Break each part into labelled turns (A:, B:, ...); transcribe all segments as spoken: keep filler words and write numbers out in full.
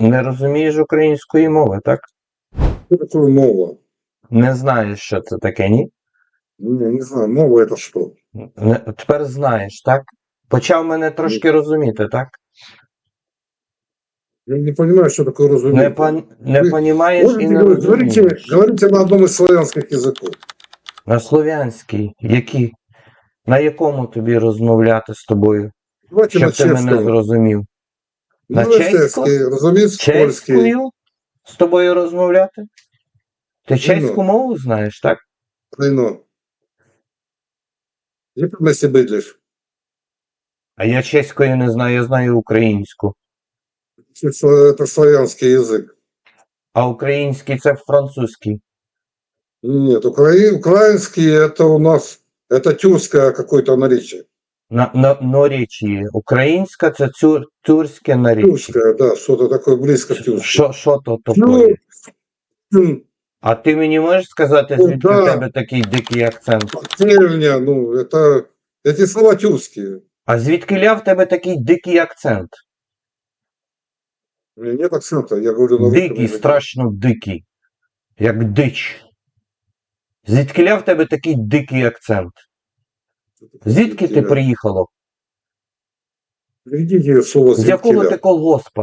A: Не розумієш української мови, так?
B: Что такое мова?
A: Не знаєш, що це таке, ні?
B: Не, не знаю, мова это что?
A: Не, тепер знаєш, так? Почав мене трошки розуміти, так?
B: Я не понимаю, что такое
A: Не,
B: разумение.
A: пон, не
B: Вы
A: понімаєш і
B: можете
A: не
B: говорить, говорите,
A: розумієш.
B: говорите на одном из славянских языков.
A: На слов'янській, які? На якому тобі розмовляти з тобою,
B: Давайте на
A: щоб ти мене
B: чешском.
A: зрозумів? На
B: Ну, на
A: чеську?
B: чешский, разумеется, польский.
A: Чеською з тобою розмовляти? Ти чеську
B: Ну.
A: мову знаєш, так?
B: Клейно. Як на себе йдеш?
A: А я чеської не знаю, я знаю українську.
B: Это славянский язык.
A: А український це французький.
B: Нет, укра... украинский это у нас, это тюркское какое-то наречие.
A: На, на, наречіє. Українська це тюр, тюркське наречіє.
B: Тюркское, да, что-то такое близко к тюркскому.
A: Що, що то
B: Ну,
A: таке?
B: м,
A: А ти мені можеш сказати,
B: Ну,
A: звідки
B: да.
A: в тебе такий дикий акцент?
B: Деревня, ну, это, эти слова тюркские.
A: А звідки ля в тебе такий дикий акцент?
B: У меня нет акцента, я говорю на русском
A: Дикий,
B: языке.
A: страшно дикий. Як дич. Звідки ля в тебе такий дикий акцент? Звідки ти приїхало?
B: Приведите слово
A: З якого ти
B: звідкіля.
A: колгоспа?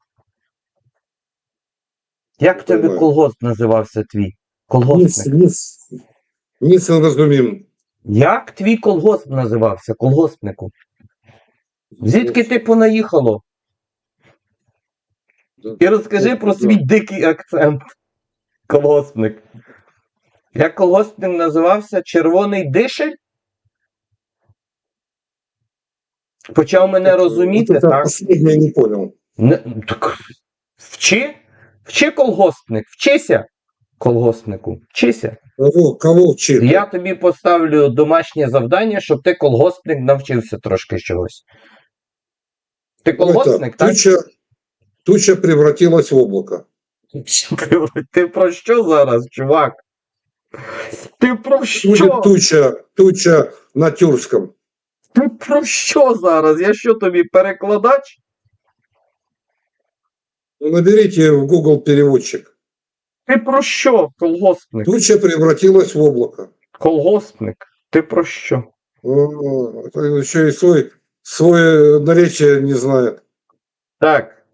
A: Як в тебе
B: Понимаю.
A: колгосп називався твій?
B: Ніц,
A: Колгоспник.
B: ніц, ніц не розумім.
A: Як твій колгосп називався? Колгоспнику? Звідки ти понаїхало?
B: Да.
A: І розкажи
B: Ну,
A: про
B: да.
A: свій дикий акцент. Колгоспник. Як колгоспник називався? Червоний дишель? Почав мене розуміти,
B: Вот это
A: так?
B: последнее я не понял.
A: Не, так вчи? Вчи колгоспник, вчися колгоспнику, вчися.
B: Кого, кого вчити?
A: Я тобі поставлю домашнє завдання, щоб ти колгоспник навчився трошки чогось. Ти колгоспник,
B: Это,
A: так?
B: туча, туча превратилась в облако.
A: Ти про що зараз, чувак? Ти про що?
B: Будет туча, туча на тюркском.
A: Ти про що зараз? Я що тобі, перекладач?
B: Ну, наберите в Google переводчик.
A: Ти про що, колгоспник?
B: Туча превратилась в облако.
A: Колгоспник, ти про що?
B: О, это еще и свой, свой наречие не знает.
A: Так.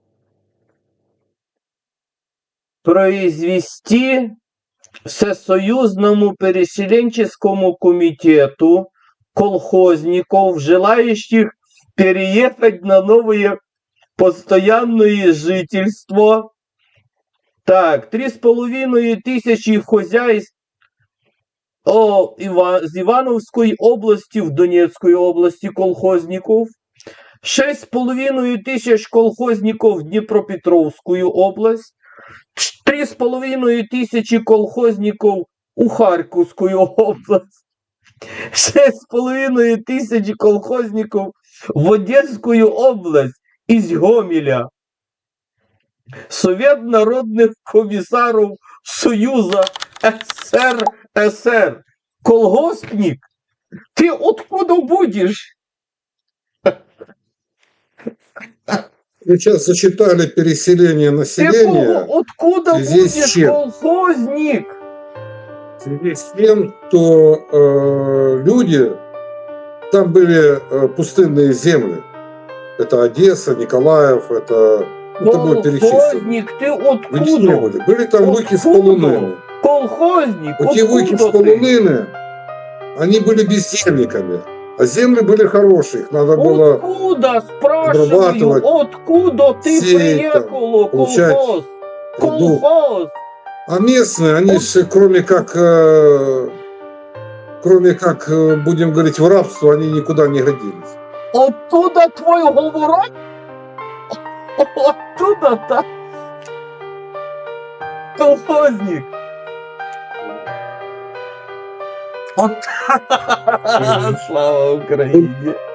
A: Произвести Всесоюзному переселенческому комитету колхозников, желающих переехать на новое постоянное жительство. Так, три с половиной тысячи хозяйств о, Ива, з Ивановской области в Донецкой области колхозников. Шесть с половиной тысяч колхозников в Днепропетровскую область. Три с половиной тысячи колхозников у Харьковскую область. Шесть с половиной тысяч колхозников в Одесскую область из Гомеля. Совет народных комиссаров Союза СССР. Колгоспник? Ты откуда будешь?
B: Сейчас зачитали переселение
A: Ты
B: населения.
A: кого- откуда
B: в связи с
A: будешь
B: чем?
A: колхозник?
B: В связи с тем, что э, люди, там были э, пустынные земли. Это Одесса, Николаев, это... Ну, тобой перечислено.
A: Колхозник, ты
B: Вы не
A: откуда?
B: были. Были там выки с
A: Откуда?
B: полонины.
A: Колхозник,
B: Вот те выки с
A: откуда ты?
B: полонины, они были бездельниками. А земли были хорошие. Их надо было...
A: Откуда, спрашиваю,
B: обрабатывать,
A: откуда ты
B: сеять там,
A: приехал,
B: получать
A: колхоз?
B: труду.
A: Колхоз.
B: А местные, они же, кроме как... э, кроме как, э, будем говорить, в рабство, они никуда не годились.
A: Оттуда твой говорок? Оттуда, так? Колхозник. От... Слава Україні.